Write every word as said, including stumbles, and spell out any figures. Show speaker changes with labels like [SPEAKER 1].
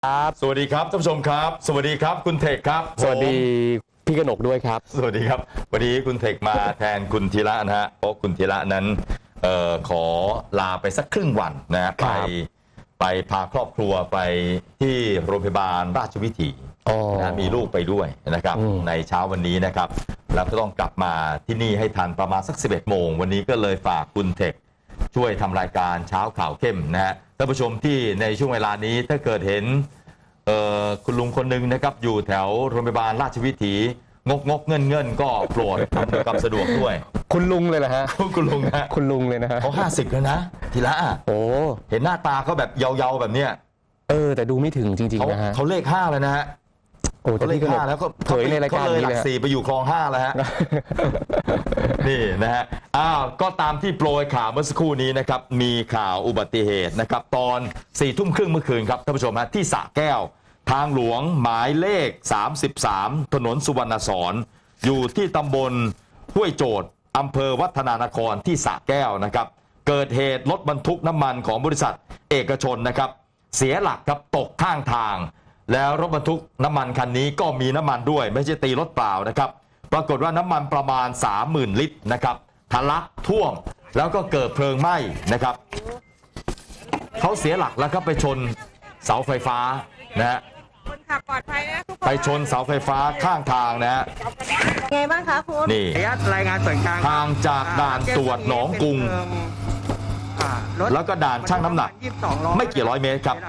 [SPEAKER 1] ครับสวัสดีครับท่านผู้ชมครับสวัสดีครับคุณเทคครับ
[SPEAKER 2] สวัสดีพี่กนกด้วยครับ
[SPEAKER 1] สวัสดีครับวันนี้คุณเทคมาแทนคุณธีระนะฮะเพราะคุณธีระนั้นเอ่อขอลาไปสักครึ่งวันนะฮะไปไปพาครอบครัวไปที่โรงพยาบาลราชวิถีนะมีลูกไปด้วยนะครับในเช้าวันนี้นะครับแล้วก็ต้องกลับมาที่นี่ให้ทันประมาณสักสิบเอ็ดโมงวันนี้ก็เลยฝากคุณเทคช่วยทำรายการเช้าข่าวเข้มนะฮะท่านผู้ชมที่ในช่วงเวลานี้ถ้าเกิดเห็นคุณลุงคนหนึ่งนะครับอยู่แถวโรงพยาบาลราชวิถีงกงกเงินเงินก็โปรดอำนวยความสะดวกด้วย
[SPEAKER 2] คุณลุงเลยนะฮะ
[SPEAKER 1] คุณลุงนะ
[SPEAKER 2] คุณลุงเลยนะฮะ
[SPEAKER 1] เขาห้าสิบแล้วนะทีละ
[SPEAKER 2] โอ้
[SPEAKER 1] เห็นหน้าตาเขาแบบเยาๆแบบเนี้ย
[SPEAKER 2] เออแต่ดูไม่ถึงจริงๆนะฮะ
[SPEAKER 1] เขาเลขห้าแล้วนะฮะ
[SPEAKER 2] โอ้
[SPEAKER 1] เขาเลขห้าแล้วก็
[SPEAKER 2] เผยในรายการนี้
[SPEAKER 1] เลยหลักสี่ไปอยู่คลองห้าแล้วฮะนี่นะฮะอ้าวก็ตามที่โปรยข่าวเมื่อสักครู่นี้นะครับมีข่าวอุบัติเหตุนะครับตอนสี่ทุ่มครึ่งเมื่อคืนครับท่านผู้ชมฮะที่สระแก้วทางหลวงหมายเลขสามสิบสามถนนสุวรรณสอนอยู่ที่ตำบลห้วยโจทย์อำเภอวัฒนานครที่สระแก้วนะครับเกิดเหตุรถบรรทุกน้ำมันของบริษัทเอกชนนะครับเสียหลักครับตกข้างทางแล้วรถบรรทุกน้ำมันคันนี้ก็มีน้ำมันด้วยไม่ใช่ตีรถเปล่านะครับปรากฏว่าน้ำมันประมาณ สามหมื่น ลิตรนะครับทะลักท่วมแล้วก็เกิดเพลิงไหม้นะครับเขาเสียหลักแล้วก็ไปชนเสาไฟฟ้านะฮะ
[SPEAKER 3] คนขับปลอดภัยนะทุกคน
[SPEAKER 1] ไปชนเสาไฟฟ้าข้างทางนะฮะ
[SPEAKER 3] ไงบ้างคะคุณ
[SPEAKER 1] นี่
[SPEAKER 4] รายงานส่วนกลาง
[SPEAKER 1] ทางจากด่านตรวจหนองกรุงแล้วก็ด่านช่างน้ำหนักไม่กี่ร้อยเมตรครับ